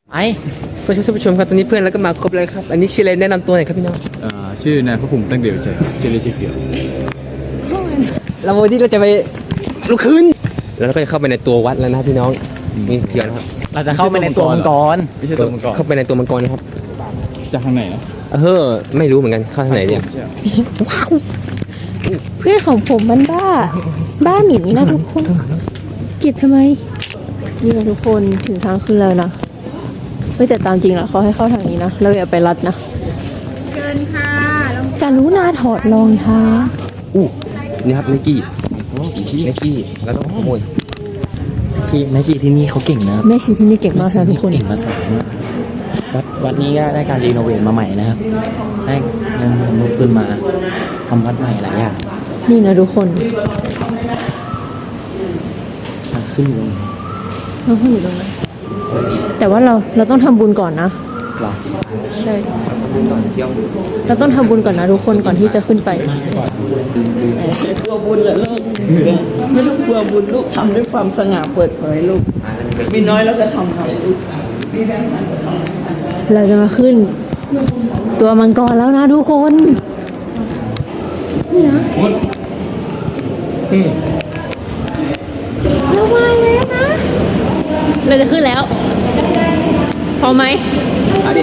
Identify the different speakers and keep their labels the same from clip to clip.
Speaker 1: ไอ้เพื่อนผู้ชมครับตอนนี้เพื่อนแล้วก็มาครบเลยครับอันนี้ชื่ออะไรแนะนำตัวหน่อยครับพี่น้อง
Speaker 2: ชื่อนายพระภูมิตั้งเดียวใจชื่อเล่นชื่อเขียว
Speaker 1: เราวันนี้เราจะไปลุกขึ้นแล้วเราก็จะเข้าไปในตัววัดแล้วนะพี่น้องนี่เขียวนะครับ
Speaker 2: เราจะเข้าไปในตัวมังกรไม่ใช่ตัวมังกร
Speaker 1: เข้าไปในตัวมังกรนะครับ
Speaker 2: จะทางไหนนะ
Speaker 1: ไม่รู้เหมือนกันเข้าทางไหนเนี่ย
Speaker 3: ว้าวเพื่อนของผมมันบ้าหมีนะทุกคนเก็บทำไมนี่นะทุกคนถึงทางขึ้นแล้วนะแต่ตามจริงแล้วเขาให้เข้าทางนี้นะเราอย่าไปรัดนะ
Speaker 4: เชิญค่ะ
Speaker 3: กรุณาถอดรองเท้า
Speaker 1: นี่ครับไนกี้แล้วต้องขโมย
Speaker 5: แม่ชีที่นี่เขาเก่งนะ
Speaker 3: แม่ชีที่นี่เก่งมากนะทุกคน
Speaker 5: เก่งภาษาวัดนี้ก็ได้การรีโนเวทมาใหม่นะครับได้เงินลงทุนมาทำวัดใหม่หลายอย่าง
Speaker 3: นี่นะทุกคน
Speaker 5: ขึ้นลง
Speaker 3: เราขึ้นอยู่ตรงนั้นแต่ว่าเราต้องทำบุญก่อนนะใช่เราต้องทำบุญก่อนนะทุกคนก่อนที่จะขึ้นไป
Speaker 6: กลัวบุญเหรอลูกไม่ต้องกลัวบุญลูกทำด้วยความสง่าเปิดเผยลูกมีน้อยแล้วก็ทำลูก
Speaker 3: เราจะมาขึ้นตัวมังกรแล้วนะทุกคนนี่นะเรามาแล้วนะเราจะขึ้นแล้วพอไหม
Speaker 1: ดิ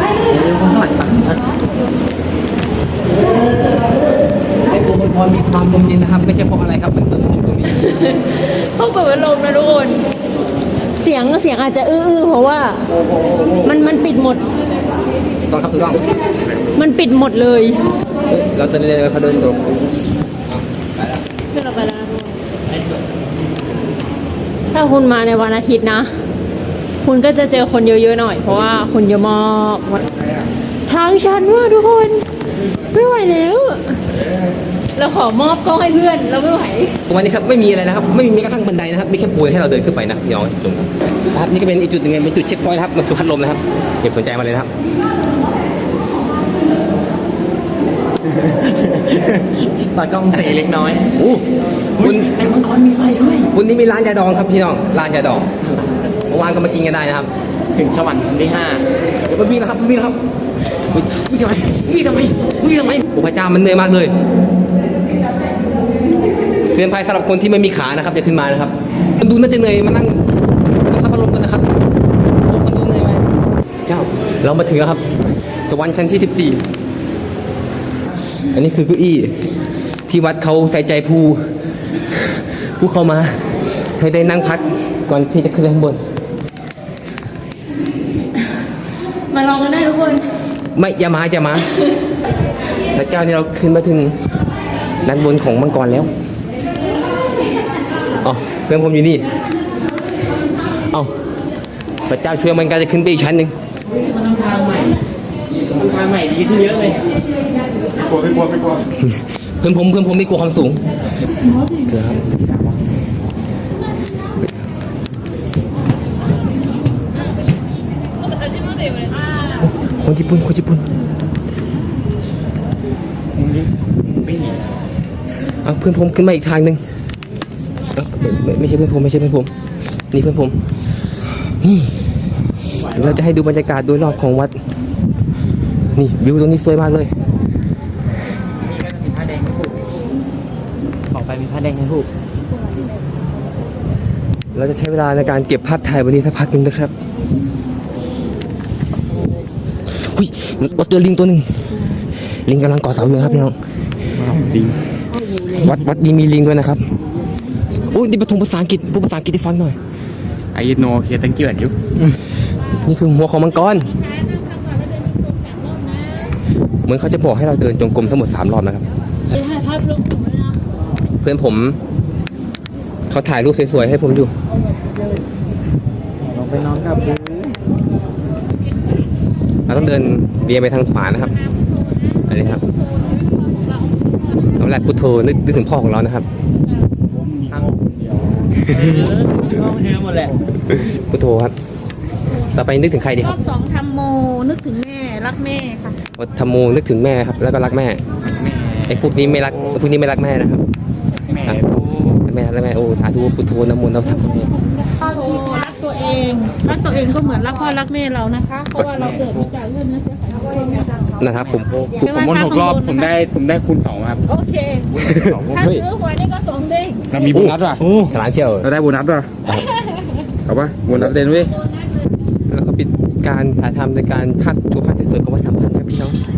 Speaker 1: ไอ้ตัวมังกรมีความลมเย็นนะครับไม่ใช่เพราะอะไรครับมันเปิดลมตรงนี้
Speaker 3: เขาเปิดพัดลมนะทุกคนเสียงอาจจะอื้อเพราะว่ามันปิดหมด
Speaker 1: ต้องครับต้อง
Speaker 3: มันปิดหมดเลย
Speaker 1: เราจะเดินเขาเดินตรง
Speaker 3: ขึ้นเราไปแล้วนะถ้าคุณมาในวันอาทิตย์นะคุณก็จะเจอคนเยอะๆหน่อยเพราะว่าคนเยอะมากทางชันมากทุกคนไม่ไหวแล้วเราขอมอบกล้องให้เพื่อนเราไม่ไหว
Speaker 1: วันนี้ครับไม่มีอะไรนะครับไม่มีแม้กระทั่งบันไดนะครับมีแค่ปูให้เราเดินขึ้นไปนะพี่น้องชมครับนี่ก็เป็นอีกจุดหนึ่งเป็นจุดเช็คพอยต์ครับมันคือพัดลมนะครับอย่าสนใจมาเลยนะครับ
Speaker 5: ตากล้องเสียเล็กน้อย
Speaker 1: คุณ
Speaker 5: ไอ้มังกรมีไฟด้วย
Speaker 1: วันนี้มีร้านยาดองครับพี่น้องร้านยาดองเมื่อวานก็มากินกันได้นะครับ
Speaker 5: ถึงสวรรค์ชั้นที่5
Speaker 1: เดี๋ยววิ่งนะครับวิ่งนะครับวิ่งทำไมโอ้พระเจ้ามันเหนื่อยมากเลยเตือนภัยสำหรับคนที่ไม่มีขานะครับอย่าขึ้นมานะครับคนดูน่าจะเหนื่อยมานั่งพัดลมกันนะครับโอ้คนดูเหนื่อยไหมเจ้าเรามาถึงแล้วครับสวรรค์ชั้นที่14อันนี้คือเก้าอี้ที่วัดเขาใส่ใจผู้เข้ามาให้ได้นั่งพักก่อนที่จะขึ้นข้างบน
Speaker 3: มาลองกันได้ทุกคน
Speaker 1: ไม่อย่ามาพระเจ้านี่เราขึ้นมาถึงด้านบนของมังกรแล้วเพื่อนผมอยู่นี่พระเจ้าช่วยมันก็จะขึ้นไปอีกชั้นหนึ่ง
Speaker 5: ทางใหม่ดีขึ้นเยอะเลย
Speaker 2: ไม่กลัว
Speaker 1: เพื่อนผมไม่กลัวความสูงครับคนญี่ปุ่นเพื่อนผมขึ้นมาอีกทางหนึ่งไม่ใช่เพื่อนผมนี่เพื่อนผมนี่เราจะให้ดูบรรยากาศโดยรอบของวัดนี่วิวตรงนี้สวยมากเลย
Speaker 5: บอกไปมีผ้าแดงให้ถูก
Speaker 1: เราจะใช้เวลาในการเก็บภาพถ่ายวันนี้สักพักหนึ่งนะครับเราเจอลิงตัวหนึ่งลิงกำลังก่อเสาอยู่ครับพี่น้องลิงวัดนี้มีลิงด้วยนะครับโอ้ยนี่ประทงภาษาอังกฤษพูดภาษาอังกฤษให้ฟังหน่อย
Speaker 2: I know here thank you อยู่
Speaker 1: นี่คือหัวของมังกรเหมือนเขาจะบอกให้เราเดินจงกรมทั้งหมด3 รอบนะครับ
Speaker 3: ถ่ายภาพลงกลุ่มเลยนะ
Speaker 1: เพื่อนผมเขาถ่ายรูปสวยๆให้ผมดู
Speaker 5: ลองไปนอนกับ
Speaker 1: เราต้องเดินเวียนไปทางขวานะครับอันนี้ครับน้ำลายพุทโธนึกถึงพ่อของเรานะครับ
Speaker 5: ทางเดียวพ่อแท้หมดแหละ
Speaker 1: พุทโธครับต่อไปนึกถึงใครดีครับ
Speaker 4: รอบ2ทำโมนึกถึงแม่รักแม่ค่ะ
Speaker 1: ทำโมนึกถึงแม่ครับแล้วก็รักแม่ไอ้พวกนี้ไม่รักแม่นะครับแม่โอ้สาธุพุทโธนะโมเราทำแม่
Speaker 4: รักตัวเององรักตัวเองก็เหมือนรักพ่อรักแม่เรานะคะ เพราะว่าเราเกิดมาจากเลือดเนื้อเชื้อไขของพ่อแม่เรา
Speaker 1: นะครับผม
Speaker 2: ผมวน6 รอบผมได้คูณ 2ครับ
Speaker 4: โอเคถ้าซื้อหวยนี่ก็สองเด้ง
Speaker 2: เรามีโบนัสว่ะ
Speaker 1: ขนาดเชียว
Speaker 2: เราได้โบนัสว่ะเอาปะโบนัสเด่นเว้ย
Speaker 1: แล้วก็ปิดการถ่ายทำในการภาพโชว์ภาพสวยๆก็ว่าทำพันครับพี่น้อง